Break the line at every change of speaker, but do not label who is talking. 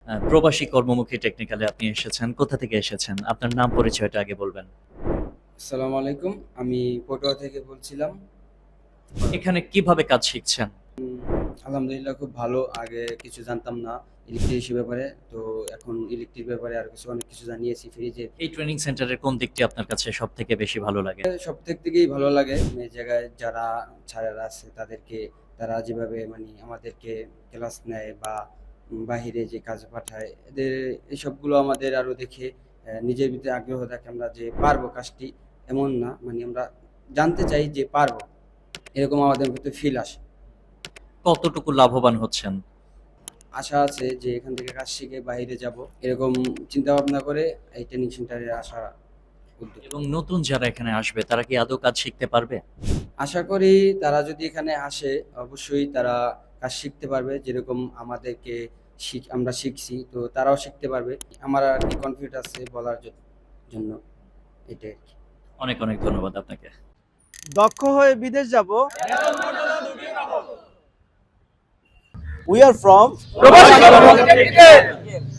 প্রবাসী কর্মমুখী টেকনিক্যালে আপনি এসেছেন। কোথা থেকে এসেছেন? আপনার নাম পরিচয়টা আগে বলবেন।
আসসালামু আলাইকুম। আমি পটুয়া থেকে বলছিলাম।
এখানে কিভাবে কাজ শিখছেন?
আলহামদুলিল্লাহ খুব ভালো। আগে কিছু জানতাম না ইলেকট্রিশিয়ান ব্যাপারে। তো এখন ইলেকট্রিক ব্যাপারে আরো অনেক কিছু জানিয়েছি ফ্রিজে।
এই ট্রেনিং সেন্টারের কোন দিকটি আপনার কাছে সবথেকে বেশি ভালো লাগে?
সবথেক থেকেই ভালো লাগে এই জায়গায় যারা স্যারেরা আছে তারা যেভাবে আমাদেরকে ক্লাস নেয় বা বাহিরে যে কাজে পাঠায় এদের এসবগুলো আমাদের আরো দেখে নিজের ভিতরে আগ্রহ থাকে আমরা যে পারবো কাজটি। এমন না আমরা জানতে চাই যে পারবো। এরকম আমাদের ভিতরে ফিল আসে।
কতটুকু লাভবান হচ্ছেন?
আশা আছে যে এখান থেকে কাজ শিখে বাইরে যাব, এরকম চিন্তা ভাবনা করে এই ট্রেনিং সেন্টারে আসা উদ্যোগ।
এবং নতুন যারা এখানে আসবে তারা কি আদৌ কাজ শিখতে পারবে?
আশা করি তারা যদি এখানে আসে অবশ্যই তারা কাজ শিখতে পারবে, যেরকম আমাদেরকে আমরা শিখছি তো তারাও শিখতে পারবে। আমার আর কি কনফিডেন্স আছে বলার জন্য এটাই আর কি।
অনেক অনেক ধন্যবাদ আপনাকে।
দক্ষ হয়ে বিদেশ যাব। উই আর ফ্রম প্রবাসী কর্মমুখী টেকনিক্যাল।